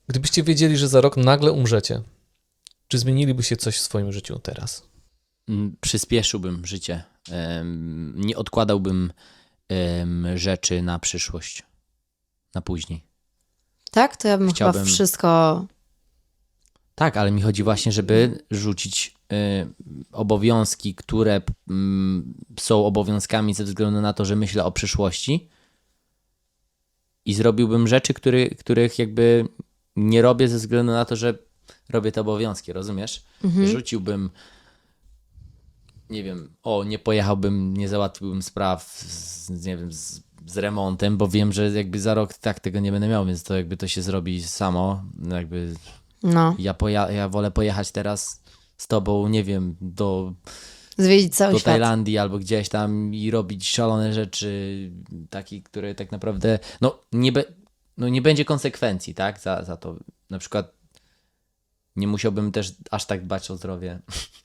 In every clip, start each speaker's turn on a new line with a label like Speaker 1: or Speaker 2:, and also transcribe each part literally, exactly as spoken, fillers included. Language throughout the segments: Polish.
Speaker 1: Gdybyście wiedzieli, że za rok nagle umrzecie, czy zmienilibyście coś w swoim życiu teraz?
Speaker 2: Mm, Przyspieszyłbym życie. Em, Nie odkładałbym em, rzeczy na przyszłość, na później.
Speaker 3: Tak? To ja bym
Speaker 2: Chciałbym-
Speaker 3: chyba wszystko...
Speaker 2: Tak, ale mi chodzi właśnie, żeby rzucić y, obowiązki, które mm, są obowiązkami ze względu na to, że myślę o przyszłości i zrobiłbym rzeczy, który, których jakby nie robię ze względu na to, że robię te obowiązki, rozumiesz? Rzuciłbym, nie wiem, o, nie pojechałbym, nie załatwiłbym spraw z, nie wiem, z, z remontem, bo wiem, że jakby za rok tak tego nie będę miał, więc to jakby to się zrobi samo, jakby...
Speaker 3: No,
Speaker 2: Ja, poja- ja wolę pojechać teraz z tobą, nie wiem, do,
Speaker 3: zwiedzić cały
Speaker 2: do
Speaker 3: świat.
Speaker 2: Tajlandii albo gdzieś tam i robić szalone rzeczy, takie, które tak naprawdę, no nie, be- no, nie będzie konsekwencji, tak, za, za to. Na przykład nie musiałbym też aż tak dbać o zdrowie.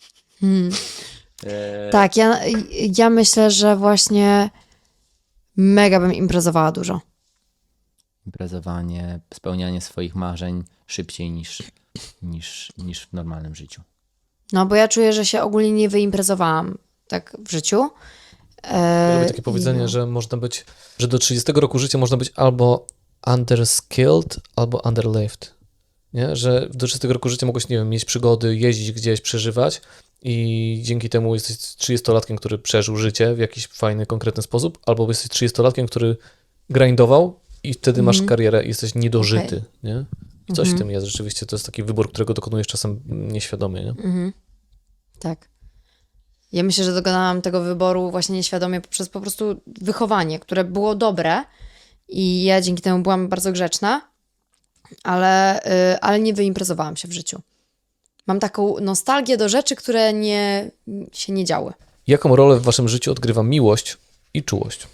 Speaker 2: E,
Speaker 3: Tak, ja, ja myślę, że właśnie mega bym imprezowała dużo.
Speaker 2: Imprezowanie, spełnianie swoich marzeń szybciej niż, niż, niż w normalnym życiu.
Speaker 3: No, bo ja czuję, że się ogólnie nie wyimprezowałam tak w życiu. E,
Speaker 1: Lubię takie powiedzenie,
Speaker 3: i no.
Speaker 1: że można być, że do trzydziestego roku życia można być albo underskilled, albo underlived. Nie? Że do trzydziestego roku życia mogłeś, nie wiem, mieć przygody, jeździć gdzieś, przeżywać i dzięki temu jesteś trzydziestolatkiem, który przeżył życie w jakiś fajny, konkretny sposób, albo jesteś trzydziestolatkiem, który grindował i wtedy masz karierę i jesteś niedożyty.
Speaker 3: Okej.
Speaker 1: Nie? I coś w tym jest rzeczywiście. To jest taki wybór, którego dokonujesz czasem nieświadomie. Nie?
Speaker 3: Tak. Ja myślę, że dokonałam tego wyboru właśnie nieświadomie poprzez po prostu wychowanie, które było dobre i ja dzięki temu byłam bardzo grzeczna, ale, y, ale nie wyimprezowałam się w życiu. Mam taką nostalgię do rzeczy, które nie, się nie działy.
Speaker 1: Jaką rolę w waszym życiu odgrywa miłość i czułość?